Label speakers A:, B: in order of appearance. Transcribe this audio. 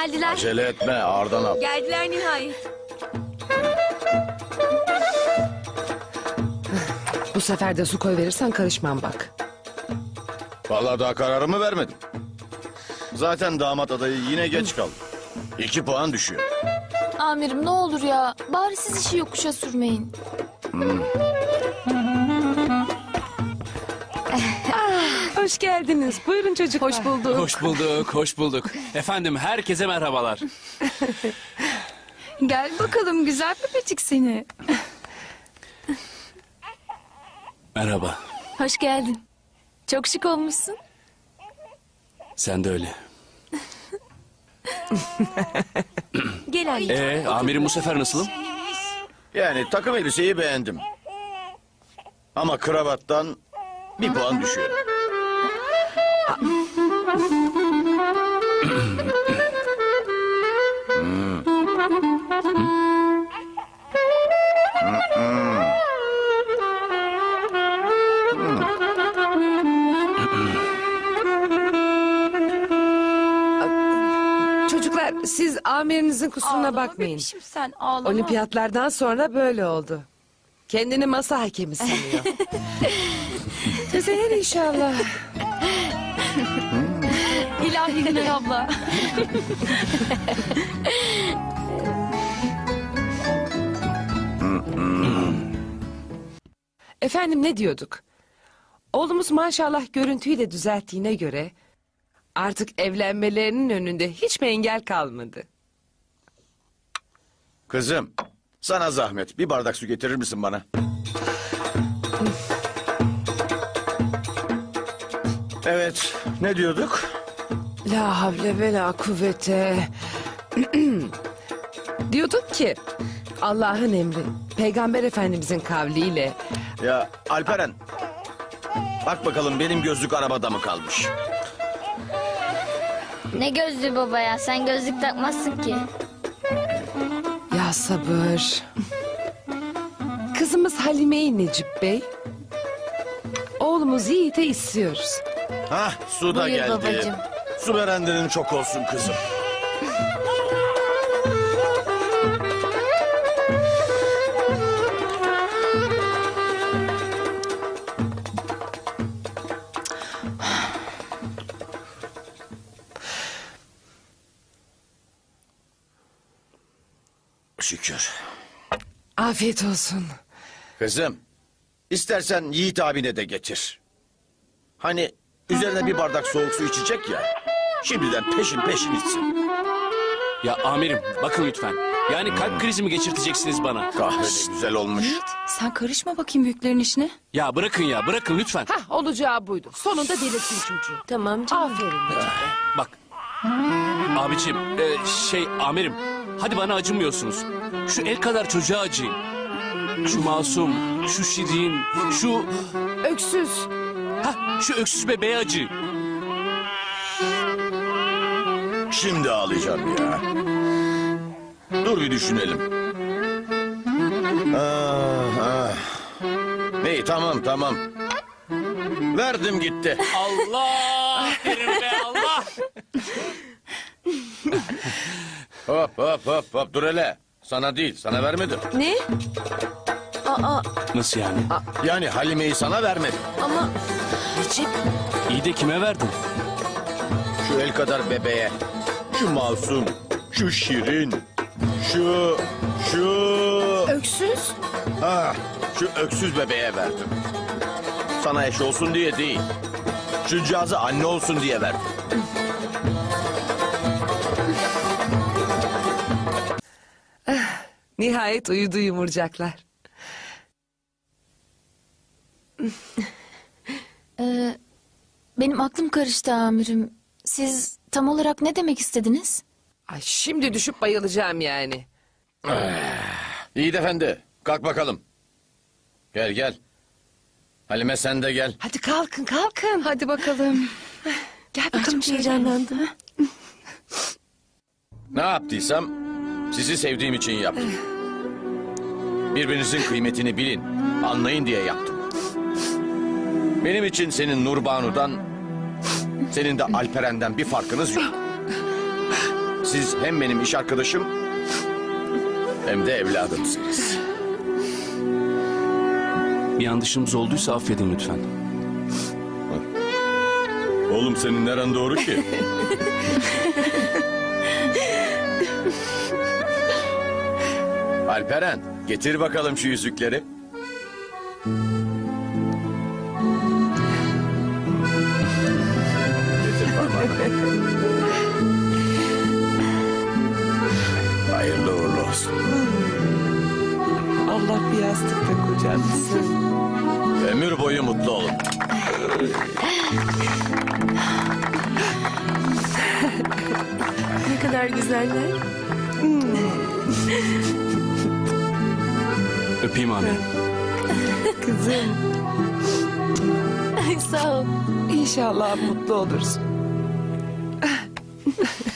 A: Geldiler.
B: Acele etme, ağırdan al.
A: Geldiler nihayet.
C: Bu sefer de su koy verirsen karışmam bak.
B: Vallahi daha kararımı vermedim. Zaten damat adayı yine geç kaldı. 2 puan düşüyor.
D: Amirim ne olur ya. Bari siz işi yokuşa sürmeyin.
C: Hoş geldiniz. Buyurun çocuklar.
D: Hoş bulduk.
E: Hoş bulduk, hoş bulduk. Efendim herkese merhabalar.
D: Gel bakalım güzel bebecik seni.
E: Merhaba,
D: Hoş geldin. Çok şık olmuşsun.
E: sen de öyle.
A: Gel anne.
E: Amirim bu sefer nasılım?
B: Yani takım elbiseyi beğendim. Ama kravattan 1 puan düşüyor.
C: Çocuklar siz amirinizin kusuruna bakmayın.
D: Bebişim sen ağlama.
C: Olimpiyatlardan sonra böyle oldu. Kendini masa hakemi sanıyor. Düzelir inşallah.
D: İlahi Güney abla.
C: Efendim ne diyorduk? Oğlumuz maşallah görüntüyü de düzelttiğine göre artık evlenmelerinin önünde hiç mi engel kalmadı?
B: Kızım, sana zahmet. Bir bardak su getirir misin bana? Evet, ne diyorduk?
C: La havle ve la kuvvete. Diyorduk ki Allah'ın emri Peygamber Efendimizin kavliyle
B: Ya Alperen, bak bakalım benim gözlük arabada mı kalmış?
F: Ne gözlüğü baba ya? Sen gözlük takmazsın ki.
C: ya sabır. Kızımız Halime'yi Necip Bey. Oğlumuz Yiğit'e istiyoruz.
B: Hah, su da
F: Buyur
B: geldi.
F: babacığım.
B: Su verenlerin çok olsun kızım. Şükür.
C: Afiyet olsun.
B: Kızım, istersen Yiğit abine de getir. Hani üzerine bir bardak soğuk su içecek ya. Şimdiden peşin peşin içsin.
E: Ya amirim bakın lütfen. Yani kalp krizi mi geçirteceksiniz bana?
B: Kahve de güzel olmuş.
D: Sen karışma bakayım büyüklerin işine.
E: Ya bırakın lütfen.
C: Hah olacağı buydu. Sonunda delirttin çocuğu.
A: Tamam canım.
C: Aferin Necip Bey.
E: Bak. Abicim, amirim. Hadi bana acımıyorsunuz. Şu el kadar çocuğa acıyın. Şu masum, şu şirin,
C: Öksüz.
E: şu öksüz bebeğe acıyın.
B: Şimdi ağlayacağım ya. Dur bir düşünelim. İyi tamam. Verdim gitti.
E: Allah! Derim be Allah!
B: Hop dur hele. Sana değil, sana vermedim.
A: Ne? Aa
E: Nasıl yani?
B: Yani Halime'yi sana vermedim.
A: ama Necip.
E: İyi de kime verdin?
B: Şu el kadar bebeğe, şu masum, şu şirin, şu...
C: Öksüz.
B: Şu öksüz bebeğe verdim. Sana eş olsun diye değil. Şu cihazı anne olsun diye verdim.
C: Nihayet uyudu yumurcaklar.
D: Benim aklım karıştı amirim. Siz tam olarak ne demek istediniz?
C: Ay şimdi düşüp bayılacağım yani.
B: Yiğit efendi, kalk bakalım. Gel. Halime sen de gel.
C: Hadi kalkın.
D: Hadi bakalım.
C: Gel bakalım
D: Çok heyecanlandım.
B: Ne yaptıysam sizi sevdiğim için yaptım. Birbirinizin kıymetini bilin, anlayın diye yaptım. Benim için senin Nurbanu'dan, senin de Alperen'den bir farkınız yok. Siz hem benim iş arkadaşım hem de evladımsınız.
E: Bir yanlışımız olduysa affedin lütfen.
B: Oğlum senin neren doğru ki? Alperen, getir bakalım şu yüzükleri. Getir parmağını. Hayırlı uğurlu olsun.
C: Allah bir yastıkta kocamsın.
B: Ömür boyu mutlu olun.
A: Ne kadar güzeller.
E: Öpeyim amirim.
C: Kızım,
D: Sağ ol.
C: inşallah mutlu olursun.